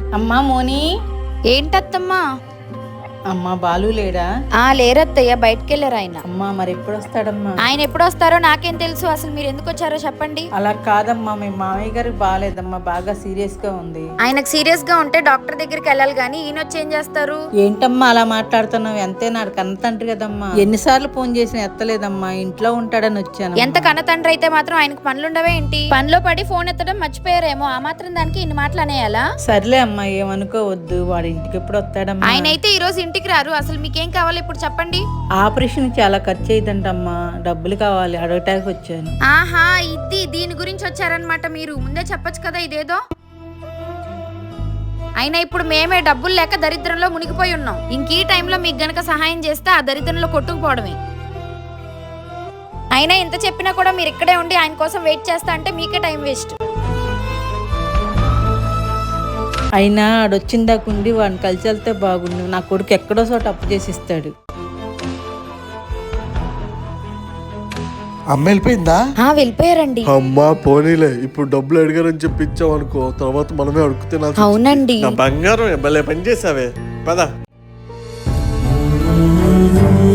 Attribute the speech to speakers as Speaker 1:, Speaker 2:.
Speaker 1: అమ్మా మోని.
Speaker 2: ఏంటత్తమ్మా?
Speaker 1: అమ్మా బాలు లేడా?
Speaker 2: లేరత్తయ్య, బయటకెళ్ళారు ఆయన.
Speaker 1: అమ్మా మరి ఎప్పుడు వస్తాడమ్మా?
Speaker 2: ఆయన ఎప్పుడు వస్తారో నాకేం తెలుసు. అసలు మీరు ఎందుకు వచ్చారో చెప్పండి.
Speaker 1: అలా కాదమ్మా, మీ మామయ్య గారికి బాగాలేదమ్మా, బాగా సీరియస్ గా ఉంది.
Speaker 2: ఆయనకు సీరియస్ గా ఉంటే డాక్టర్ దగ్గరికి వెళ్ళాలి గానీ ఈయన వచ్చి ఏం చేస్తారు?
Speaker 1: ఏంటమ్మా అలా మాట్లాడుతున్నావు? ఎంతే నాడు కన్న తండ్రి కదమ్మా. ఎన్నిసార్లు ఫోన్ చేసినా ఎత్తలేదమ్మా, ఇంట్లో ఉంటాడని వచ్చాను.
Speaker 2: ఎంత కన్న తండ్రి అయితే మాత్రం ఆయనకు పనులుండవే ఏంటి? పనిలో పడి ఫోన్ ఎత్తడం మర్చిపోయారేమో, ఆ మాత్రం దానికి ఇన్ని మాటలు అనేయాలా?
Speaker 1: సర్లే అమ్మా, ఏమనుకోవద్దు. వాడి ఇంటికి ఎప్పుడు వస్తాడమ్మా?
Speaker 2: ఆయన అయితే ఈ రోజు ఇంటికి రారు. అసలు మీకేం కావాలి ఇప్పుడు చెప్పండి.
Speaker 1: ఆపరేషన్ చాలా ఖర్చు అయిందంటమ్మా, డబ్బులు కావాలి, అడగటానికి వచ్చాను.
Speaker 2: ఆహా, దీని గురించి వచ్చారనమాట. మీరు ముందే చెప్పొచ్చు కదా ఇదేదో. అయినా ఇప్పుడు మేమే డబ్బులు లేక దరిద్రంలో మునిగిపోయి ఉన్నాం. ఇంక ఈ టైంలో మీకు గనక సహాయం చేస్తే ఆ దరిద్రంలో కొట్టుకుపోవడమే. అయినా ఇంత చెప్పినా కూడా మీరు ఇక్కడే ఉండి ఆయన కోసం వెయిట్ చేస్తా అంటే మీకే టైం వేస్ట్.
Speaker 1: అయినా ఆడొచ్చిందాకుండి వాడిని కలిసి వెళ్తే బాగుండు. నా కొడుకు ఎక్కడో చోట అప్పు చేసి ఇస్తాడు.
Speaker 3: అమ్మ వెళ్ళిపోయిందా?
Speaker 2: వెళ్ళిపోయారండి.
Speaker 3: అమ్మా పోనీలే, ఇప్పుడు డబ్బులు అడిగారని చెప్పి ఇచ్చావు అనుకో, తర్వాత మనమే అడుగు తినాల్సి.
Speaker 2: అవునండి.
Speaker 3: నా బంగారం భలే పని చేసావే. పద.